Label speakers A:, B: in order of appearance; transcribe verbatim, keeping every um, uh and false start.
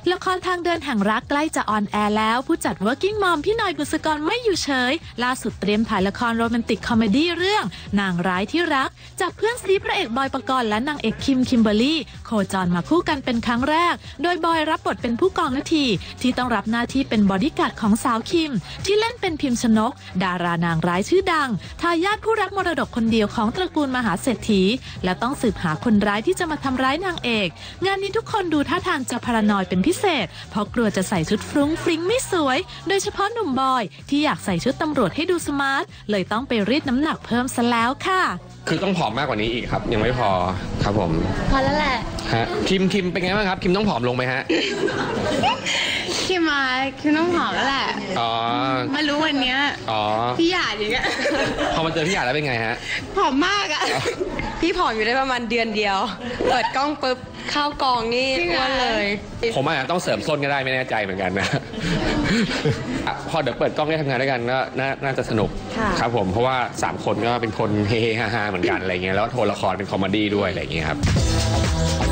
A: ละครทางเดินแห่งรักใกล้จะออนแอร์แล้วผู้จัด Working Mom พี่หน่อยบุษกรไม่อยู่เฉยล่าสุดเตรียมถ่ายละครโรแมนติกคอมเมดี้เรื่องนางร้ายที่รักจากเพื่อนซีพระเอกบอยปกรณ์และนางเอกคิมคิมเบอร์รี่โคจรมาคู่กันเป็นครั้งแรกโดยบอยรับบทเป็นผู้กองนาทีที่ต้องรับหน้าที่เป็นบอดี้การ์ดของสาวคิมที่เล่นเป็นพิมชนกดารานางร้ายชื่อดังทายาทผู้รับมรดกคนเดียวของตระกูลมหาเศรษฐีและต้องสืบหาคนร้ายที่จะมาทำร้ายนางเอกงานนี้ทุกคนดูท่าทางจะพารานอยเป็นพิเศษเพราะกลัวจะใส่ชุดฟรุ้งฟริ้งไม่สวยโดยเฉพาะหนุ่มบอยที่อยากใส่ชุดตำรวจให้ดูสมาร์ทเลยต้องไปรีดน้ำหนักเพิ่มซะแล้วค่ะ
B: คือต้องผอมมากกว่านี้อีกครับยังไม่พอครับผม
C: พอแล้วแหละ
B: ฮะคิมคิมเป็นไงบ้างครับคิมต้องผอมลงไหมฮะ
C: คิมมาคิมต้องผอมแล้วแหละ
B: อ๋อ
C: มารู้วันนี้
B: อ๋อ
C: พี่หยาดอย่างเงี้ย
B: พอมาเจอพี่หยาดแล้วเป็นไงฮะ
C: ผอมมากอะ
D: พี่ผอมอยู่ได้ประมาณเดือนเดียวเปิดกล้องปุ๊บเข้ากองนี่อ้วนเลย
B: ผมอาจจะต้องเสริมส้นก็ได้ไม่แน่ใจเหมือนกันนะพอเดี๋ยวเปิดกล้องได้ทำงานด้วยกันก็น่าจะสนุกครับผมเพราะว่าสามคนก็เป็นคนเฮฮาๆเหมือนกันอะไรเงี้ยแล้วโทรละครเป็นคอมเมดี้ด้วยอะไรเงี้ยครับ